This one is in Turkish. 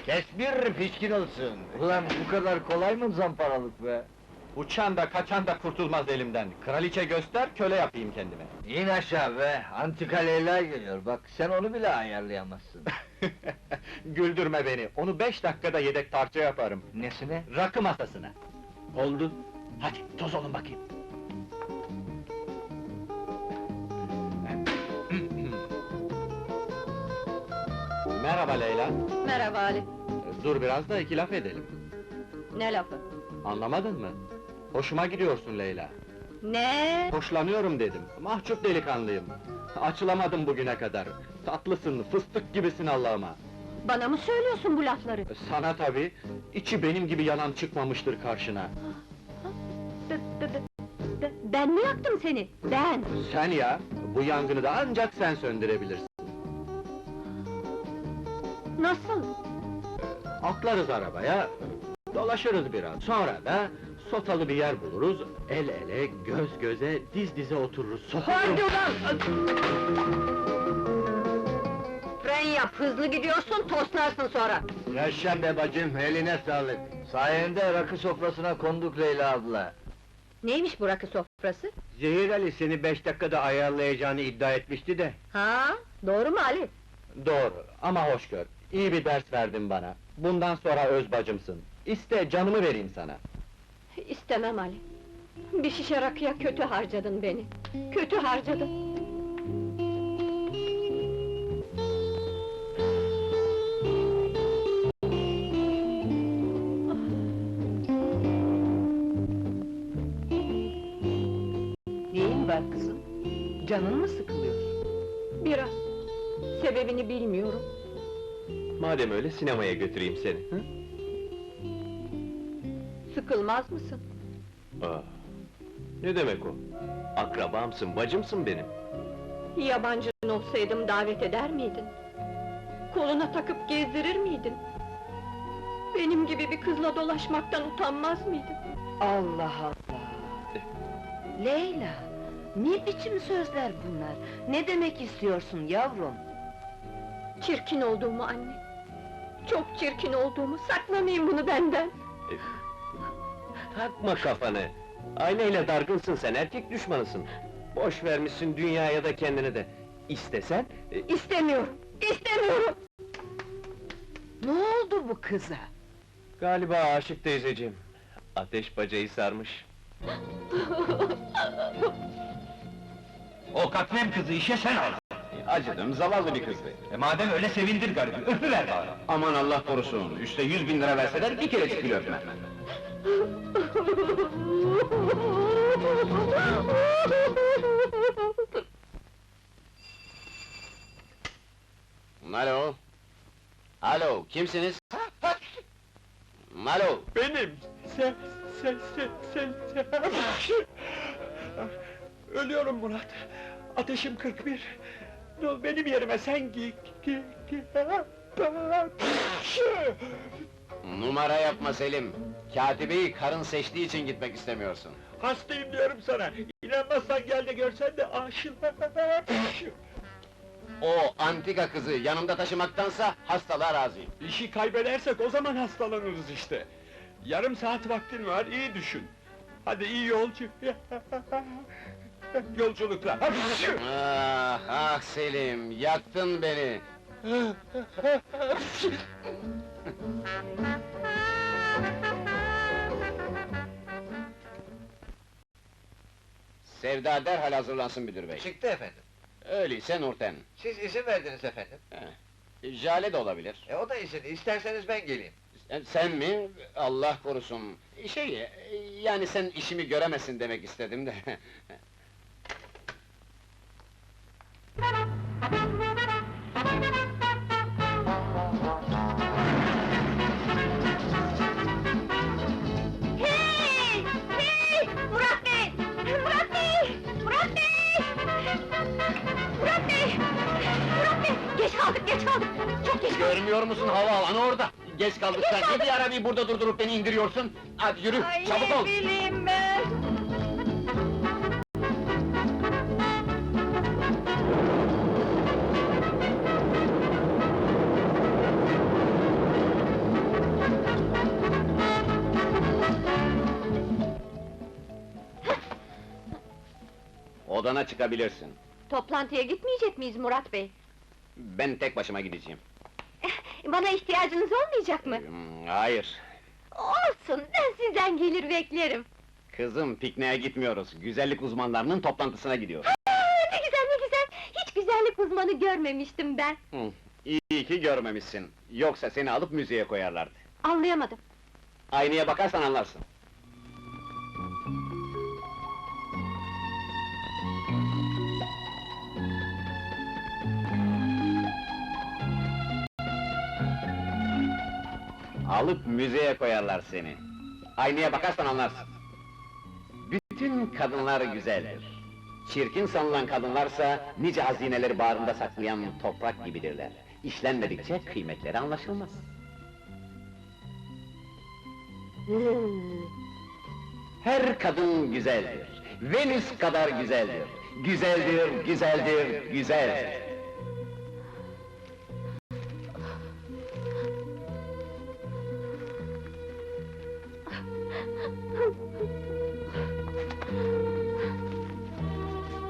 Kes bir pişkin olsun! Ulan bu kadar kolay mı zamparalık be? Uçan da kaçan da kurtulmaz elimden. Kraliçe göster, köle yapayım kendime. İn aşağı be, antika Leyla geliyor, bak sen onu bile ayarlayamazsın. Güldürme beni, onu 5 dakikada yedek tarça yaparım. Nesine? Rakı masasına. Oldu. Hadi, toz olun bakayım. Merhaba Leyla. Merhaba Ali. Dur biraz da iki laf edelim. Ne lafı? Anlamadın mı? Hoşuma gidiyorsun Leyla. Ne? Hoşlanıyorum dedim. Mahcup delikanlıyım. Açılamadım bugüne kadar. Tatlısın, fıstık gibisin Allah'ıma. Bana mı söylüyorsun bu lafları? Sana tabii. İçi benim gibi yalan çıkmamıştır karşına. Ben mi yaktım seni? Ben! Sen ya, bu yangını da ancak sen söndürebilirsin. Nasıl? Atlarız arabaya, dolaşırız biraz. Sonra da sotalı bir yer buluruz, el ele, göz göze, diz dize otururuz. Hadi ulan! Fren yap, hızlı gidiyorsun, toslarsın sonra! Yaşa be bacım, eline sağlık! Sayende rakı sofrasına konduk Leyla abla. Neymiş bu rakı sofrası? Zehir Ali seni 5 dakikada ayarlayacağını iddia etmişti de. Ha? Doğru mu Ali? Doğru, ama hoş gör. İyi bir ders verdin bana. Bundan sonra öz bacımsın. İste, canımı vereyim sana. İstemem Ali. Bir şişe rakıya kötü harcadın beni. Kötü harcadın. Neyin var kızım? Canın mı sıkılıyor? Biraz. Sebebini bilmiyorum. Madem öyle sinemaya götüreyim seni. Hı? Sıkılmaz mısın? Aa, ne demek o? Akrabamsın, bacımsın benim. Yabancın olsaydım davet eder miydin? Koluna takıp gezdirir miydin? Benim gibi bir kızla dolaşmaktan utanmaz mıydın? Allah Allah! Leyla, ne biçim sözler bunlar? Ne demek istiyorsun yavrum? Çirkin olduğumu anne! Çok çirkin olduğumu, saklamayın bunu benden! Takma kafanı! Aileyle dargınsın sen, erkek düşmanısın. Boş vermişsin dünyaya da kendini de. İstesen... İstemiyorum! İstemiyorum! Ne oldu bu kıza? Galiba aşık teyzeciğim. Ateş bacayı sarmış. O katlem kızı işe sen aldın. Acıdım, zavallı bir kızdı. Madem öyle sevindir garibi, öpüver bari. Aman Allah korusun, üste 100.000 lira verseler bir kerecik bile öpmem. Alo? Alo, kimsiniz? Alo? Benim! Sen... Ölüyorum Murat! Ateşim 41! Benim yerime sen Numara yapma Selim! Katibeyi karın seçtiği için gitmek istemiyorsun. Hastayım diyorum sana! İnanmazsan gel de görsen de aşık! O antika kızı yanımda taşımaktansa hastalığa razıyım. İşi kaybedersek o zaman hastalanırız işte! Yarım saat vaktin var, iyi düşün! Hadi iyi yolculuklar! Ah, ah Selim, yaktın beni! Sevda derhal hazırlansın müdür bey. Çıktı efendim. Öyleyse Nurten. Siz izin verdiniz efendim. Jale de olabilir. O da izin, isterseniz ben geleyim. Sen mi? Allah korusun! Yani sen işimi göremesin demek istedim de. Hey! Hey! Murat Bey! Murat Bey! Murat Bey! Murat Bey! Murat Bey! Geç kaldık! Çok geç kaldık! Görmüyor musun havaalanı orada? Geç kaldık sen, ne diye arabayı burada durdurup beni indiriyorsun? Hadi yürü, çabuk ol! Bileyim ben! Odana çıkabilirsin. Toplantıya gitmeyecek miyiz Murat Bey? Ben tek başıma gideceğim. Bana ihtiyacınız olmayacak mı? Hayır. Olsun, ben sizden gelir beklerim. Kızım, pikniğe gitmiyoruz. Güzellik uzmanlarının toplantısına gidiyoruz. Ne güzel, ne güzel! Hiç güzellik uzmanı görmemiştim ben. İyi ki görmemişsin. Yoksa seni alıp müzeye koyarlardı. Anlayamadım. Aynaya bakarsan anlarsın. Alıp müzeye koyarlar seni. Aynaya bakarsan anlarsın. Bütün kadınlar güzeldir. Çirkin sanılan kadınlarsa nice hazineleri bağrında saklayan toprak gibidirler. İşlenmedikçe kıymetleri anlaşılmaz. Her kadın güzeldir. Venüs kadar güzeldir. Güzeldir, güzeldir, güzeldir.